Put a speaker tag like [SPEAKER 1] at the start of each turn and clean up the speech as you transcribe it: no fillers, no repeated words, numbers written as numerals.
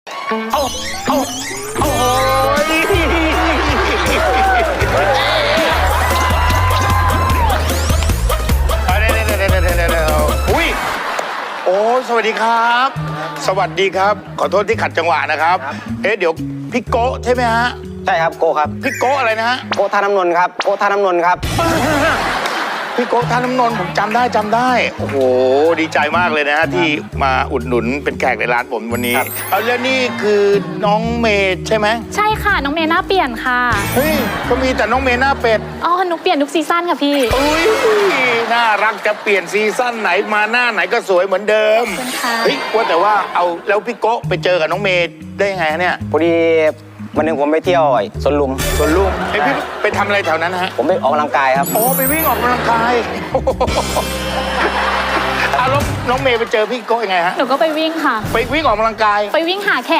[SPEAKER 1] เอาโอ้ยอุ้ยโอ้สวัสดีครับ สวัสดีครับ ขอโทษที่ขัดจังหวะนะครับ เดี๋ยวพี่โก้ใช่ไหมฮะ
[SPEAKER 2] ใช่ครับโกครับ
[SPEAKER 1] พี่โก้อะไรนะฮะ
[SPEAKER 2] โกท่าน้ำนนท์ครับโกท่าน้ำนนท์ครับ
[SPEAKER 1] พี่โก้ท่าน้ำนนท์ผมจำได้โอ้โหดีใจมากเลยนะฮะที่มาอุดหนุนเป็นแขกในร้านผมวันนี้เอาแล้วนี่คือน้องเมย์ใช่ไหม
[SPEAKER 3] ใช่ค่ะน้องเมย์หน้าเปลี่ยนค่ะ
[SPEAKER 1] เฮ้ยก็มีแต่น้องเมย์หน้าเป็ด
[SPEAKER 3] อ๋อหนูเปลี่ยนทุกซีซั่นค่ะพี่
[SPEAKER 1] อุ้ยน่ารักจะเปลี่ยนซีซั่นไหนมาหน้าไหนก็สวยเหมือนเดิม
[SPEAKER 3] ขอบคุณค่ะ
[SPEAKER 1] เฮ้ยว่าแต่ว่าเอาแล้วพี่โก้ไปเจอกับน้องเมย์ได้ยังไงฮะเนี่ย
[SPEAKER 2] พอดีวันหนึ่งผมไปเที่ยวสวนลุม
[SPEAKER 1] ส่วนลุงพี่ไปทำอะไรแถวนั้นฮะ
[SPEAKER 2] ผมไปออกกำลังกายครับ
[SPEAKER 1] โอ้ไปวิ่งออกกำลังกายเอาแล้วน้องเมย์ไปเจอพี่โก้ยังไงฮะ
[SPEAKER 3] หนูก็ไปวิ่งค่ะ
[SPEAKER 1] ไปวิ่งออกกำลังกาย
[SPEAKER 3] ไปวิ่งหาแขก